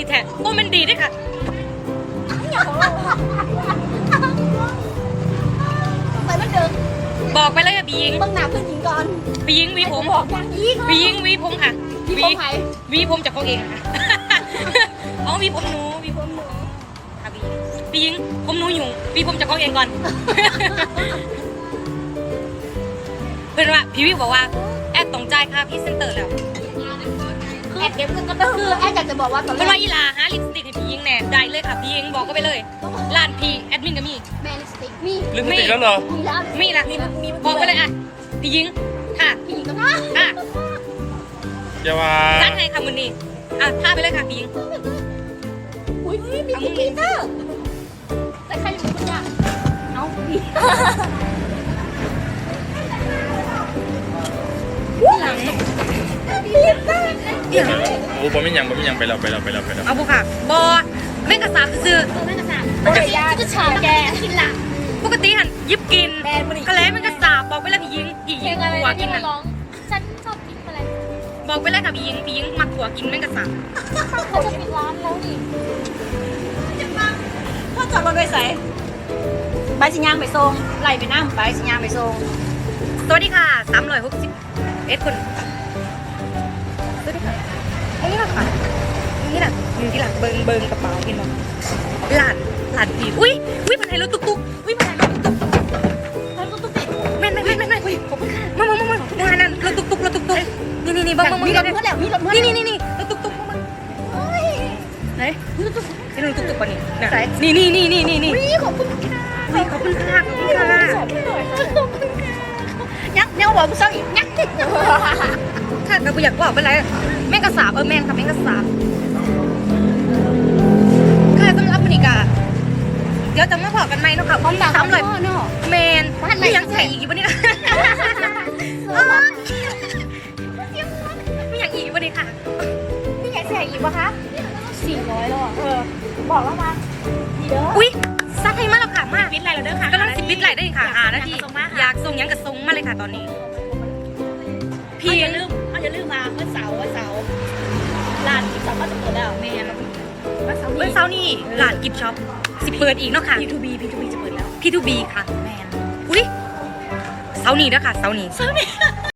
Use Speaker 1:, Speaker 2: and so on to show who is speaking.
Speaker 1: แท้โอ้มันดีด้วยค่ะ
Speaker 2: ไปมันเดิม
Speaker 1: บอกไปเลยค่ะพี่ยิง
Speaker 2: ต้องหนาเพื่อนหญิงก่อน
Speaker 1: พี่ยิงวีผม
Speaker 2: บอกอย่างนี้
Speaker 1: พี่ยิงวีผมค่ะ
Speaker 2: พี่ผมไหน
Speaker 1: วีผมจากเขาเองค่ะเอาวีผมหนูวีผมหนูค่ะพี่ยิงผมหนูอยู่วีผมจากเขาเองก่อนเพื่อนว่าพี่วิวบอกว่าแอดต้องจ่ายค่าพรีเซนเตอร์แล้ว
Speaker 2: แอดเก็บเงินก็ต้องคือแอดอยากจะบอกว่าตอนแร
Speaker 1: เพื่อน
Speaker 2: ก
Speaker 1: ว่าอีลาฮะลิปสติกให้พี่ยิงแน่ได้เลยค่ะพี่ยิงบอกก็ไปเลยร้านพี่แอดมินก็มี
Speaker 2: แมนสติกมี
Speaker 3: ลิปสติกแล้วเหรอ
Speaker 2: มีแล้ว
Speaker 1: มีละบอกไปเลยอ่ะพี่ยิงค่ะ
Speaker 2: พี่หญิงก็มา
Speaker 1: อ่ะ
Speaker 3: อย่าว่า
Speaker 1: ร้านไทยค่ะมือนี้อ่ะท่าไปเลยค่ะพี่ยิง
Speaker 2: อุ้ยมีคุกกี้เตอร์แต่ใครอยู่คุณยากเอาพี่
Speaker 1: หลัง
Speaker 2: ลิปเตอร์
Speaker 3: โอ้บ่มีหยังไปแล้ว
Speaker 1: เอาบุค่ะบอเม่งกระสาบซื้อ
Speaker 2: แม่กระสาโอ้ยจะฉาแกกินละ
Speaker 1: ปกติหันยิบกิน
Speaker 2: แบนมันอีก
Speaker 1: กระแลเม่งกระสาบบอกไปเลยพี่ยิงหัวกินน่ะ
Speaker 2: ฉันชอบกินอะไร
Speaker 1: บอกไปเลยค่ะพี่ยิงมักหัวกินเม่งกระสาบ
Speaker 2: เขาจะปิดร้านแล้วนี่
Speaker 4: พ่อจอดรถไว้ใส่ใบสิยางไปส่งไล่ไปน้ำใบสิยางไปส่ง
Speaker 1: สวัสดีค่ะ360คนสวัสดีค่ะนี่ละค่ะนี่ละอยู่ที่หลังเบิงกระเป๋าเห็นมั้ยหลานพี่อุ้ยมันให้รถตุ๊กอุ้ยมันให้รถตุ๊ก
Speaker 2: แล้วก็ตุ๊กติด
Speaker 1: แม่นขอบคุณค่ะมานั่นรถตุ๊กนี่บัง
Speaker 2: มีรถเพื่อนแล้วมีรถเพื่อน
Speaker 1: นี่รถตุ๊กมาไหนรถตุ๊กป่ะนี่นี่
Speaker 2: ขอบคุณค่ะ
Speaker 1: ขอบคุณค่ะ
Speaker 2: สอนหน่อยขอบคุณค่ะยักษ์เนี่ยบอกกูเศร้าอีกยักษ์
Speaker 1: ค่ะแต่กูอยากบอกเป็นไรแม่งกระสาบแม่งค่ะแม่งกระสาบค่ะสำหรับวันนี้กะเดี๋ยวจะมาบอกกันไหมเนาะค่ะพร้อม300
Speaker 2: เนาะ
Speaker 1: แมนไม่ยังใส่อีกวันนี้ไม่อยากอีกวันนี้ค่ะ
Speaker 2: พี่อยากใส่อีกปะคะ400แล้วอ่ะบอกแล้วมาดีเด้อ
Speaker 1: อุ้ยซักให้มากแล้วค่ะมาก
Speaker 4: ปิดอะไรเราเด้อค่ะ
Speaker 1: กำลัง10ปิดไหลได้ค่ะนาทีอยากส่งยังกับส่งมาเลยค่ะตอนนี้
Speaker 4: พี่อย่าลืมมาเมื่อเสาร์ร้านที่สามารถจะเปิดแล้วแม่วันเสาร์
Speaker 1: เมื่อเช้านี้ร้านกิฟช็อปสิเปิดอีกเนาะค่ะ
Speaker 4: P2B จะเปิดแล้ว
Speaker 1: P2B ค่ะ
Speaker 4: แมน
Speaker 1: อุ้ยเช้านี้นะคะเช้านี้